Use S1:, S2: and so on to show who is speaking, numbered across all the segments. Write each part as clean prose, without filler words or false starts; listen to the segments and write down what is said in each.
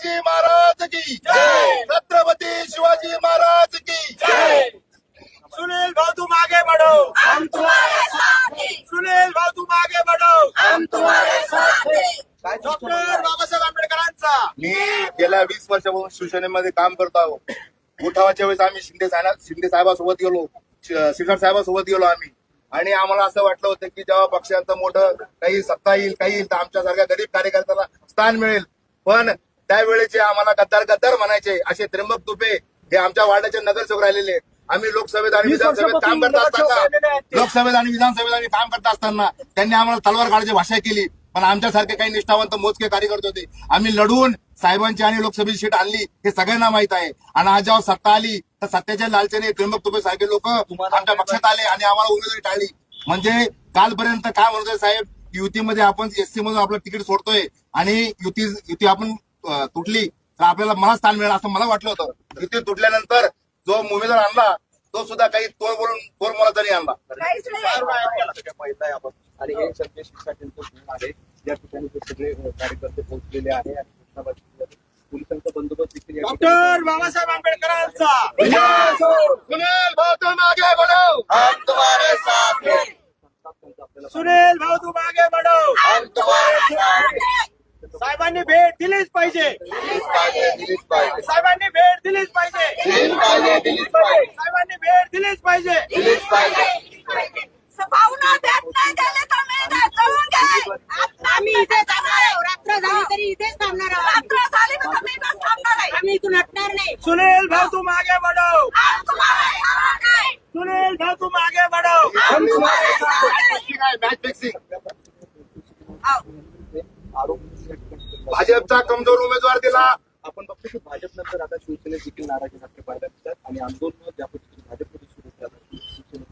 S1: शिवाजी महाराज की जय, छत्रपती शिवाजी महाराज की जय।
S2: सुनील भाऊ तुम आगे बढ़ो,
S3: हम तुम्हारे साथ हैं,
S2: सुनील भाऊ तुम आगे बढ़ो।
S3: हम तुम्हारे साथ हैं।
S2: डॉक्टर बाबासाहेब आंबेडकरांचा
S1: मी गेल्या 20 वर्षापासून शिवसेनेमध्ये काम करतो आहोत. उठावाच्या वेळेस आम्ही शिंदे साहेबांसोबत गेलो, शिखर साहेबांसोबत गेलो आम्ही, आणि आम्हाला असं वाटलं होतं की जेव्हा पक्षांचं मोठं काही सत्ता येईल काही येईल तर आमच्यासारख्या गरीब कार्यकर्त्याला स्थान मिळेल. पण त्यावेळेचे आम्हाला गद्दार गद्दार म्हणायचे असे त्र्यंबक तुपे हे आमच्या वार्डाचे नगरसेवक राहिलेले आहेत. आम्ही लोकसभेत आणि विधानसभेत काम करत असताना काम करत असताना त्यांनी आम्हाला तलवार काढायची भाषा केली. पण आमच्यासारखे काही निष्ठावंत मोजके कार्यकर्ते होते. आम्ही लढून साहेबांची आणि लोकसभेची सीट आणली हे सगळ्यांना माहित आहे. आणि आज जेव्हा सत्ता आली तर सत्तेच्या लालचेने त्र्यंबक तुपे सारखे लोक आमच्या पक्षात आले आणि आम्हाला उमेदवारी टाळली. म्हणजे कालपर्यंत काय म्हणतोय साहेब, युतीमध्ये आपण एससी मधून आपलं तिकीट सोडतोय आणि युती आपण तुटली तर आपल्याला मला स्थान मिळेल असं मला वाटलं होतं. युती तुटल्यानंतर जो उमेदवार आणला तो सुद्धा काही तोड मोलाचा नाही आणला.
S4: माहित आहे आपण आणि हे सगळे शिक्षा केंद्र आहे या ठिकाणी ते सगळे कार्यकर्ते पोहोचलेले आहे आणि पोलिसांचा बंदोबस्त देखील
S2: डॉक्टर बाबासाहेब आंबेडकरांचा
S1: सुनील भाऊ तुम आगे बढ़ो, हम तुम्हारे साथ हैं.
S2: सुनील भाऊ तुम आगे बढ़ो,
S1: हम तुम्हारे साथ हैं.
S2: साहेबांनी भेट दिलीच पाहिजे,
S1: दिलीच पाहिजे,
S2: साहेबांनी भेट दिलीच पाहिजे,
S1: दिलीच पाहिजे,
S2: साहेबांनी भेट दिलीच पाहिजे.
S1: दिलीच पाहिजे.
S3: भावना देत नाही गेले तर मी इथे जळून गेले. आम्ही इथे जाणार आहे. रात्र झाली तरी इथेच थांबणार आहोत. रात्र झाली तर मी इथेच थांबणार आहे. आम्ही इथून हटणार नाही.
S2: सुनील भाऊ तुम आगे बढ़ो,
S3: हम तुम्हारे साथ हैं.
S2: सुनील भाऊ तुम आगे बढ़ो.
S3: हम तुम्हारे साथ हैं.
S1: Match fixing.
S4: आरोप
S1: भाजपचा कमजोर उमेदवार दिला.
S4: आपण बघतो की भाजप नंतर आता शिवसेनेत देखील नाराजी नाट्य पाहायला मिळतात आणि आंदोलन ज्या पद्धतीने भाजपमध्ये सुरू झालं.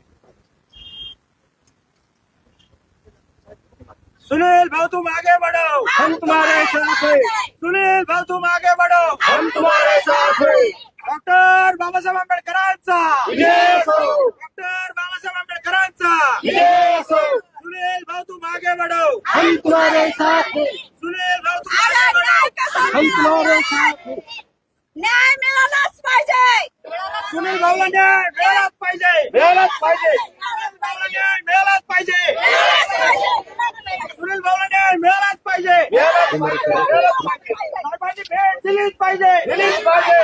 S2: सुनील भाऊ तुम आगे बढ़ो,
S3: हम तुम्हारे साथ हैं.
S2: सुनील भाऊ तुम आगे बढ़ो.
S3: हम तुम्हारे साथ हैं.
S2: डॉक्टर बाबासाहेब आंबेडकरांचा, डॉक्टर बाबासाहेब आंबेडकरांचा. सुनील भाऊ तुम आगे बढ़ो,
S3: हम तुम्हारे साथ हैं.
S2: सुनील भाऊ तुम आगे बढ़ो.
S3: हम तुम्हारे साथ हैं. न्याय मिळालाच पाहिजे.
S2: सुनील भाऊला न्याय मिळालाच पाहिजे, मिळालाच पाहिजे. सुनील भाऊला न्याय मिळालाच पाहिजे, सुनील भाऊला न्याय मिळालाच पाहिजे. साहेबांनी भेट दिलीच पाहिजे, दिलीच पाहिजे.